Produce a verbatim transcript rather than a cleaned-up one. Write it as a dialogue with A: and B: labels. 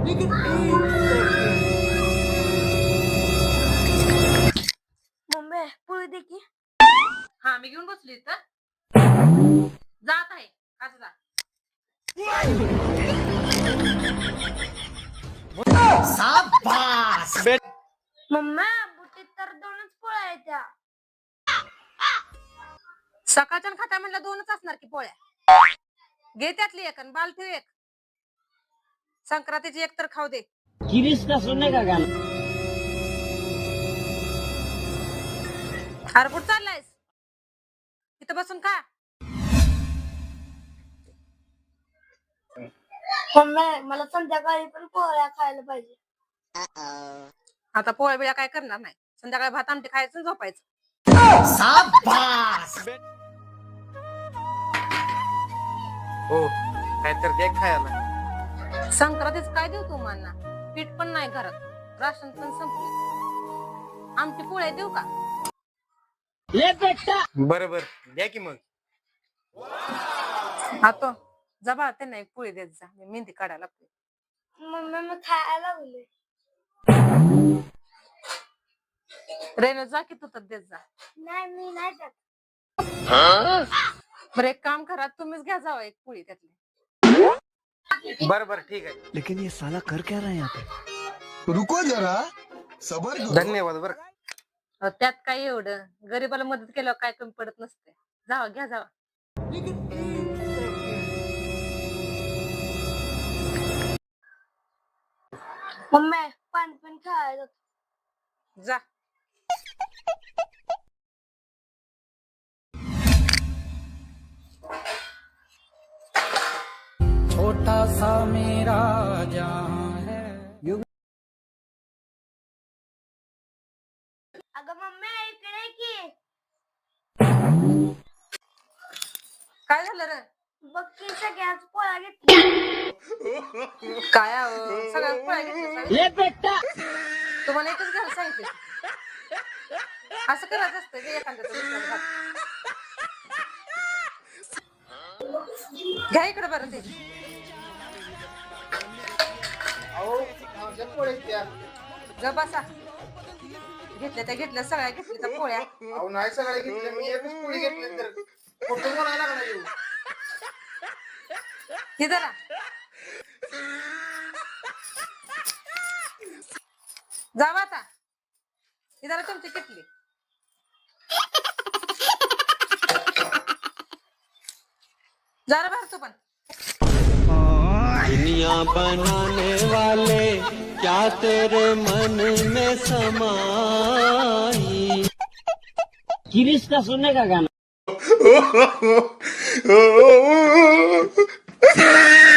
A: Mummy पोळी दे की.
B: हा मी घेऊन बसली तर जात आहे असं जा.
A: मम्मी बुटीत तर दोनच पोळ्या आहेत त्या.
B: सकाळच्या खाता म्हणलं दोनच असणार की पोळ्या. घे त्यातली एक आणि बाल ठेव एक. संक्रांतीची एक तर खाऊ दे.
C: गिरीश सुनने का गाना.
B: अरे कुठं चाललायस? इथं बसून खा.
A: मम्मी मला संध्याकाळी पण पोळ्या खायला पाहिजे.
B: आता पोळ्या बिळ्या काय करणार नाही. संध्याकाळी भात आमटी खायचं आणि झोपायचं.
D: हो काय तर द्या खायला.
B: संक्रांतीच काय देऊ तुम्हाला? पीठ पण नाही घरात, राशन पण संपले. आमटी पोळ्या देऊ का?
C: ले बेटा.
D: बरं बरं द्या की मग.
B: आता जबा त्यांना एक पोळी देत जा. मी मेहंदी काढायला लागते.
A: मम्मी मी खायला लागले.
B: रेणू जा की तू तर देत जा.
A: नाही मी नाही जात.
B: बरं एक काम करा, तुम्हीच घ्या जावं एक पोळी त्यातली.
D: बरं बरं ठीक आहे.
E: लेकिन ये साला कर क्या रहा है यहाँ पे?
F: रुको जरा सबर करो.
D: धन्यवाद बरं.
B: अहो, त्यात काय एवढं, गरीबाला मदत केल्यावर काय कमी पडत नसते. जावा घ्या जावा.
A: मम्मी पाणी पण खायला जातो.
B: जा.
C: छोटा सा मेरा जहां है.
A: अगं मम्मी इकडे की.
B: काय झालं रे?
A: बघ की सगळ्याच पोळ्या घेतल्या.
B: काय अहो, सगळ्या पोळ्या घेतल्या सगळ्या?
C: ले बेटा.
B: तुम्हाला एकच घ्यायला सांगितलं. असं करायचं असतं की एखाद्याचं दुसऱ्याचं भात. घ्या इकडे बरं ते. जा बसा. घेतल्या त्या घेतल्या सगळ्या घेतल्या त्या पोळ्या.
D: अहो नाही सगळे घेतले मी एकच पोळी घेतली तर कुठून म्हणायला लागला येऊ.
B: हे जरा जावा आता. ही जरा तुमची किटली. जरा भरतो पण.
E: दुनिया बनाने वाले क्या तेरे मन में समाई.
C: गिरीश का सुनने का गाना.